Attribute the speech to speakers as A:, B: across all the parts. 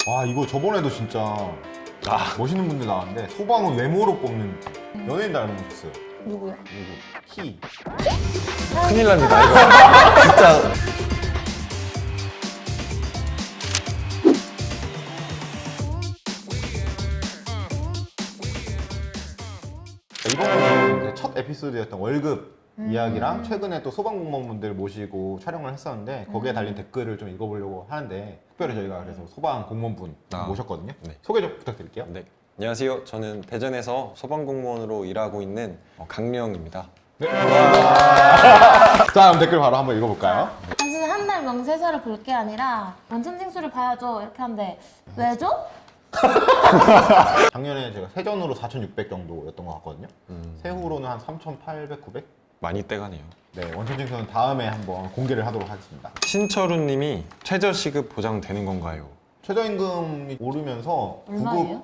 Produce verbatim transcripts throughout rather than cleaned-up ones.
A: 와 이거 저번에도 진짜
B: 아,
A: 멋있는 분들 나왔는데 소방은 외모로 뽑는 연예인 닮으셨어요.
C: 누구요?
A: 누구? 키.
B: 큰일 납니다, 이거. 진짜.
A: 이번에 첫 에피소드였던 월급
C: 음.
A: 이야기랑 최근에 또 소방공무원분들 모시고 촬영을 했었는데 거기에
C: 음.
A: 달린 댓글을 좀 읽어보려고 하는데 특별히 저희가 그래서 소방공무원분
B: 아.
A: 모셨거든요.
B: 네.
A: 소개 좀 부탁드릴게요.
B: 네. 안녕하세요. 저는 대전에서 소방공무원으로 일하고 있는 어, 강명입니다.
A: 네. 자 그럼 댓글 바로 한번 읽어볼까요?
C: 당신은 한 달 명세서를 볼 게 아니라 원천징수를 봐야죠 이렇게 하는데 왜죠?
A: 작년에 제가 세전으로 사천육백 정도였던 것 같거든요.
B: 음,
A: 세후로는 한 삼천팔백, 구백?
B: 많이 떼가네요.
A: 네, 원천징수는 다음에 한번 공개를 하도록 하겠습니다.
B: 신철우님이 최저시급 보장되는 건가요?
A: 최저임금이 오르면서
C: 얼마예요?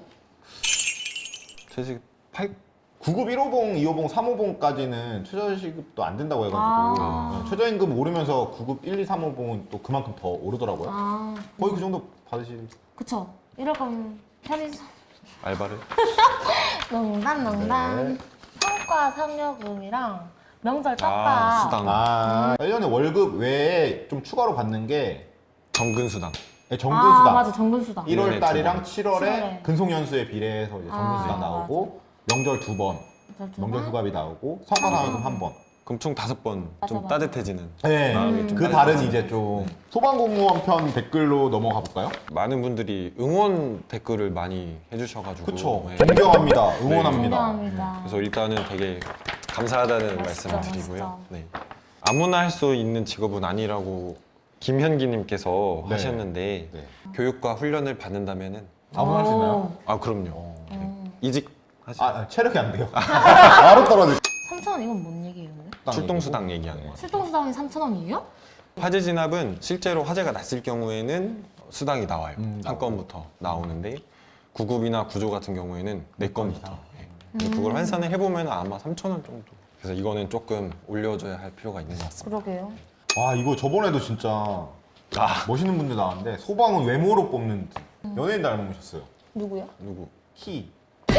B: 최저시급 팔?
A: 구급 일 호봉, 이 호봉, 삼 호봉까지는 최저시급도 안 된다고 해가지고
C: 아.
A: 네, 최저임금 오르면서 구급 일, 이, 삼 호봉은 또 그만큼 더 오르더라고요.
C: 아
A: 거의 그 정도 받으실...
C: 그쵸. 이럴 거면 편의점
B: 알바를?
C: 농담 농담.
A: 네.
C: 성과 상여금이랑 명절
B: 아,
C: 떡밥.
B: 수당.
A: 아, 일 년에 월급 외에 좀 추가로 받는 게
B: 정근수당.
A: 네,
C: 아
A: 정근수당.
C: 맞아 정근수당.
B: 일
A: 일월 달이랑
B: 두 번.
A: 칠월에
C: 칠월에.
A: 근속연수에 비례해서 이제 정근수당
C: 아,
A: 나오고 명절 두 번,
C: 명절 두
A: 명절
C: 번?
A: 휴가비 나오고 성과상여금 한 번.
B: 그럼 총 다섯 번
C: 맞아,
B: 좀
C: 맞아.
B: 따뜻해지는.
A: 네,
B: 마음이 좀
A: 그
B: 따뜻해지는.
A: 다른 이제 좀 소방공무원 편 댓글로 넘어가 볼까요?
B: 많은 분들이 응원 댓글을 많이 해주셔가지고.
A: 그쵸.
B: 네.
A: 존경합니다. 응원합니다.
C: 존경합니다.
B: 그래서 일단은 되게 감사하다는
C: 멋있죠,
B: 말씀을 드리고요.
C: 멋있죠.
B: 네. 아무나 할 수 있는 직업은 아니라고 김현기님께서
A: 네.
B: 하셨는데
A: 네.
B: 교육과 훈련을 받는다면은
A: 아무나 할 수 있나요?
C: 오.
B: 아 그럼요.
A: 어.
B: 네.
C: 음.
B: 이직 하시.
A: 아, 아, 체력이 안 돼요. 바로 떨어질.
C: 삼천 원 이건 뭔 얘기예요? 근데?
B: 출동수당 얘기하는
A: 네.
B: 거예요.
C: 출동수당이 삼천 원이에요?
B: 화재 진압은 실제로 화재가 났을 경우에는 수당이 나와요.
A: 음,
B: 한 건부터 나오는데 구급이나 구조 같은 경우에는 네 건부터. 네. 근데 그걸
C: 음.
B: 환산을 해보면 아마 삼천 원 정도. 그래서 이거는 조금 올려줘야 할 필요가 있는 것 같습니다.
C: 그러게요.
A: 와 이거 저번에도 진짜
B: 아
A: 멋있는 분들 나왔는데 소방은 외모로 뽑는 연예인 닮으셨어요.
C: 누구요?
B: 누구?
A: 키.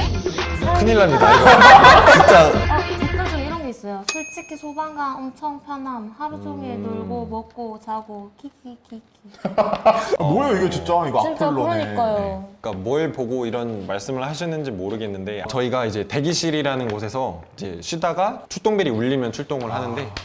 B: 큰일 납니다. 이거. 진짜.
C: 아, 댓글 중에 이런 게 있어요. 솔직히 소방관 엄청 편함. 하루 종일
B: 음.
C: 놀고 먹고 자고 키키키키.
A: 아, 뭐예요 이게 진짜 이거
C: 진짜
A: 악플러네.
C: 그러니까요.
B: 그러니까 뭘 보고 이런 말씀을 하셨는지 모르겠는데 저희가 이제 대기실이라는 곳에서 이제 쉬다가 출동벨이 울리면 출동을 하는데 네.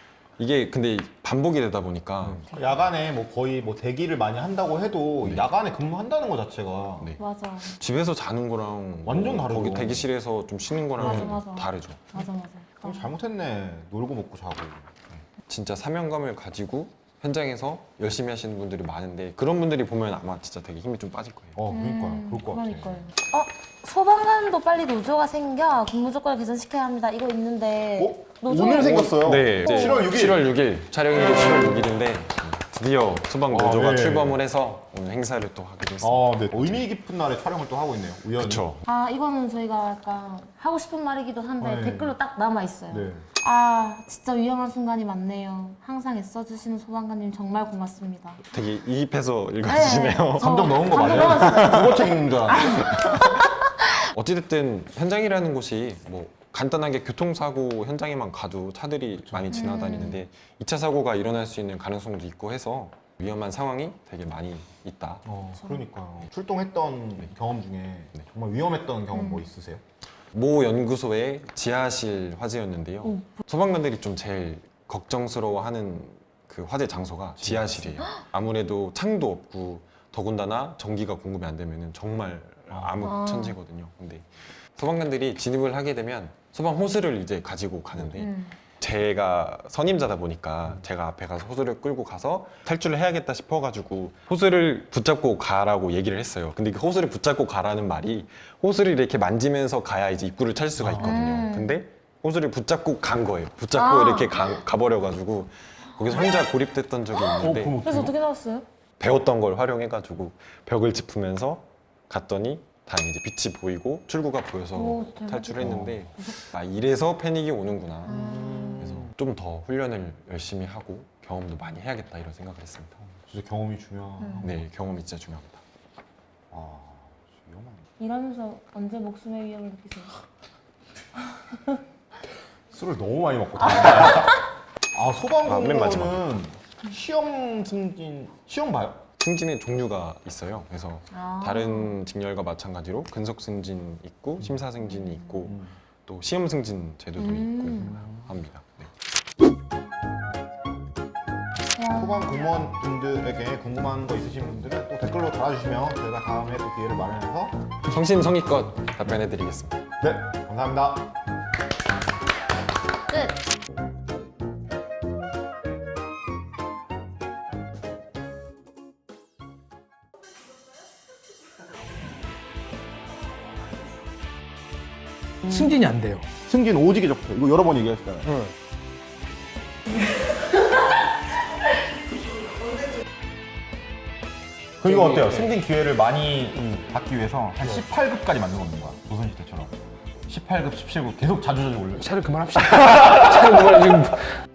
B: 이게 근데 반복이 되다 보니까
A: 네. 야간에 뭐 거의 뭐 대기를 많이 한다고 해도
B: 네.
A: 야간에 근무한다는 것 자체가
B: 네.
C: 맞아.
B: 집에서 자는 거랑
A: 완전
B: 뭐
A: 다르죠.
B: 거기 대기실에서 좀 쉬는 거랑
C: 맞아, 맞아.
B: 다르죠.
C: 맞아 맞아.
A: 좀 잘못했네. 놀고 먹고 자고.
B: 진짜 사명감을 가지고 현장에서 열심히 하시는 분들이 많은데 그런 분들이 보면 아마 진짜 되게 힘이 좀 빠질 거예요.
A: 어 그러니까요.
C: 음,
A: 그럴 것
C: 그러니까요.
A: 같아.
C: 어? 소방관도 빨리 노조가 생겨 근무 조건을 개선시켜야 합니다. 이거 있는데
A: 어?
C: 노조
A: 오늘 생겼어요.
B: 네, 이제
A: 칠월 육 일.
B: 칠월 육 일 촬영일이 칠월 육 일인데 드디어 소방 노조가
A: 아, 네.
B: 출범을 해서 오늘 행사를 또 하게 됐습니다.
A: 아, 네. 의미 깊은 날에 촬영을 또 하고 있네요. 우연히.
B: 그렇죠.
C: 아 이거는 저희가 약간 하고 싶은 말이기도 한데
A: 네.
C: 댓글로 딱 남아 있어요.
A: 네.
C: 아 진짜 위험한 순간이 많네요. 항상 애써주시는 소방관님 정말 고맙습니다.
B: 되게 이입해서 읽어주시네요.
C: 네, 저
A: 감정 넣은 거
C: 감정
A: 맞아요?
C: 넣었어요.
A: 국어책 읽는 줄 알았는데.
B: 어찌됐든 현장이라는 곳이 뭐 간단하게 교통사고 현장에만 가도 차들이 많이 지나다니는데 이 차 사고가 일어날 수 있는 가능성도 있고 해서 위험한 상황이 되게 많이 있다.
A: 어, 그러니까요. 출동했던 경험 중에
B: 네.
A: 정말 위험했던 경험
C: 음.
A: 뭐 있으세요?
B: 모 연구소의 지하실 화재였는데요.
C: 오.
B: 소방관들이 좀 제일 걱정스러워하는 그 화재 장소가 지하실이에요. 아무래도 창도 없고 더군다나 전기가 공급이 안 되면 정말
C: 아.
B: 암흑천지거든요. 근데 소방관들이 진입을 하게 되면 소방 호스를 이제 가지고 가는데
C: 음.
B: 제가 선임자다 보니까 제가 앞에 가서 호스를 끌고 가서 탈출을 해야겠다 싶어가지고 호스를 붙잡고 가라고 얘기를 했어요. 근데 그 호스를 붙잡고 가라는 말이 호스를 이렇게 만지면서 가야 이제 입구를 찾을 수가 있거든요.
C: 음.
B: 근데 호스를 붙잡고 간 거예요. 붙잡고
C: 아.
B: 이렇게 가, 가버려가지고 거기서 혼자 고립됐던 적이 있는데
A: 그럼
C: 그래서
A: 어떡해요?
C: 어떻게 나왔어요?
B: 배웠던 걸 활용해가지고 벽을 짚으면서 갔더니 다행히 이제 빛이 보이고 출구가 보여서
C: 오, 대박이다.
B: 탈출했는데 아 이래서 패닉이 오는구나.
C: 음.
B: 그래서 좀 더 훈련을 열심히 하고 경험도 많이 해야겠다 이런 생각을 했습니다.
A: 진짜 경험이 중요한.
C: 음.
B: 네, 경험이 진짜 중요합니다.
C: 일하면서 언제 목숨의 위협을 느끼세요?
A: 술을 너무 많이 먹고 다닌다. 아 소방
B: 아, 맨
A: 공무원은 시험 승진 시험 봐요?
B: 승진의 종류가 있어요. 그래서
C: 아.
B: 다른 직렬과 마찬가지로 근속 승진 있고 심사 승진이 있고 또 시험 승진 제도도
C: 음.
B: 있고 합니다. 네.
C: 와.
A: 소방 공무원분들에게 궁금한 거 있으신 분들은 또 댓글로 달아주시면 저희가 다음에 또 기회를 마련해서
B: 성심성의껏 답변해드리겠습니다.
A: 네 감사합니다.
C: 끝!
D: 승진이 안 돼요.
A: 승진 오지게 적혀. 이거 여러 번 얘기하셨잖아요.
D: 응.
A: 그럼 이거 어때요? 승진 기회를 많이 받기 위해서 한 십팔 급까지 만들어놓는 거야. 조선시대처럼. 십팔 급, 십칠 급 계속 자주자주 올려.
D: 차를 그만합시다. 차를 그만 지금